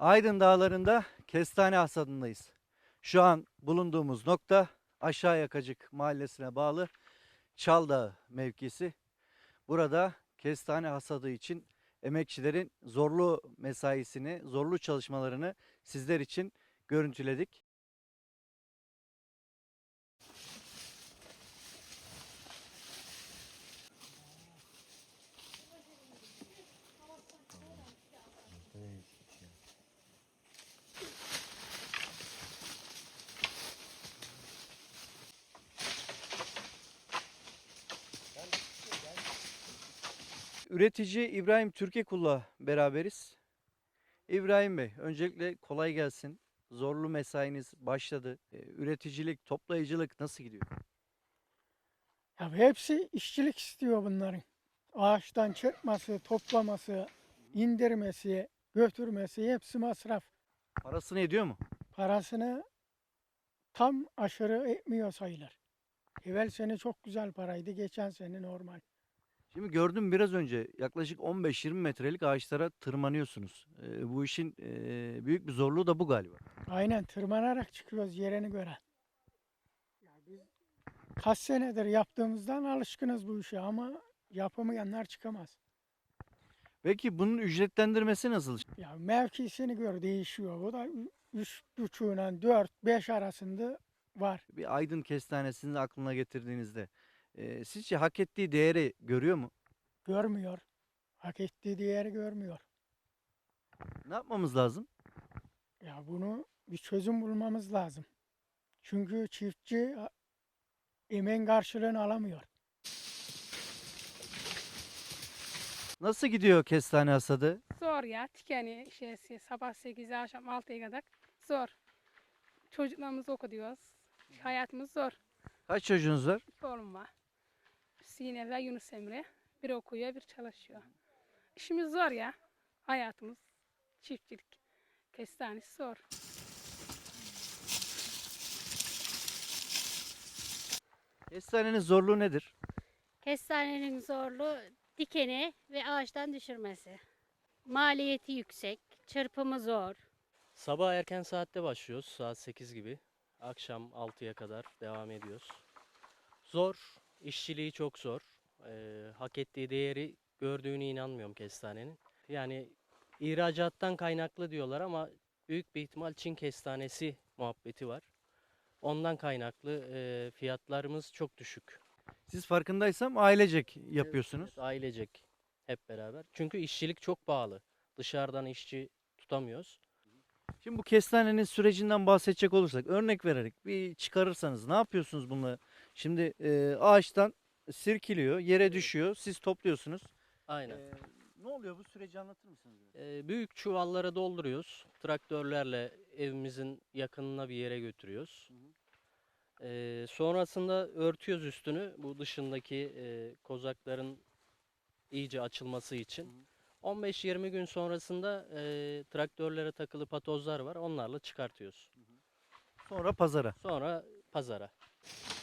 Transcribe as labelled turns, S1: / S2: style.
S1: Aydın Dağları'nda kestane hasadındayız. Şu an bulunduğumuz nokta Aşağı Yakacık mahallesine bağlı Çal Dağı mevkisi. Burada kestane hasadı için emekçilerin zorlu mesaisini, zorlu çalışmalarını sizler için görüntüledik. Üretici İbrahim Türkekul'la beraberiz. İbrahim Bey, öncelikle kolay gelsin. Zorlu mesainiz başladı. Üreticilik, toplayıcılık nasıl gidiyor?
S2: Ya hepsi işçilik istiyor bunların. Ağaçtan çıkması, toplaması, indirmesi, götürmesi hepsi masraf.
S1: Parasını ediyor mu?
S2: Parasını tam aşırı etmiyor sayılır. Evvel sene çok güzel paraydı, geçen sene normal.
S1: Şimdi gördüm biraz önce yaklaşık 15-20 metrelik ağaçlara tırmanıyorsunuz. Bu işin büyük bir zorluğu da bu galiba.
S2: Aynen tırmanarak çıkıyoruz yerine göre. Ya biz kaç senedir yaptığımızdan alışkınız bu işe ama yapamayanlar çıkamaz.
S1: Peki bunun ücretlendirmesi nasıl?
S2: Ya mevkisini gör değişiyor. O da 3,5'la 4-5 arasında var.
S1: Bir Aydın kestanesini aklına getirdiğinizde sizce hak ettiği değeri görüyor mu?
S2: Görmüyor. Hak ettiği değeri görmüyor.
S1: Ne yapmamız lazım?
S2: Ya bunu bir çözüm bulmamız lazım. Çünkü çiftçi emeğin karşılığını alamıyor.
S1: Nasıl gidiyor kestane hasadı?
S3: Zor ya. Tikeni sabah 8'de akşam 6'ya kadar zor. Çocuklarımızı okutuyoruz. Hayatımız zor.
S1: Kaç çocuğunuz var?
S3: 2 oğlum var. Sine ve Yunus Emre. Biri okuyor, biri çalışıyor. İşimiz zor ya. Hayatımız çiftçilik. Kestanesi zor.
S1: Kestanenin zorluğu nedir?
S4: Kestanenin zorluğu dikeni ve ağaçtan düşürmesi. Maliyeti yüksek, çırpımı zor.
S5: Sabah erken saatte başlıyoruz. Saat 8 gibi. Akşam 6'ya kadar devam ediyoruz. Zor. İşçiliği çok zor. Hak ettiği değeri gördüğüne inanmıyorum kestanenin. Yani ihracattan kaynaklı diyorlar ama büyük bir ihtimal Çin kestanesi muhabbeti var. Ondan kaynaklı fiyatlarımız çok düşük.
S1: Siz farkındaysam ailecek yapıyorsunuz.
S5: Evet, ailecek hep beraber. Çünkü işçilik çok pahalı. Dışarıdan işçi tutamıyoruz.
S1: Şimdi bu kestanenin sürecinden bahsedecek olursak örnek vererek bir çıkarırsanız ne yapıyorsunuz bununla? Şimdi ağaçtan sirkiliyor, yere düşüyor, siz topluyorsunuz.
S5: Aynen.
S1: Ne oluyor bu süreci anlatır mısınız biraz?
S5: Büyük çuvallara dolduruyoruz. Traktörlerle evimizin yakınına bir yere götürüyoruz. Sonrasında örtüyoruz üstünü. Bu dışındaki kozakların iyice açılması için. 15-20 gün sonrasında traktörlere takılı patozlar var. Onlarla çıkartıyoruz.
S1: Sonra pazara.
S5: Sonra pazara.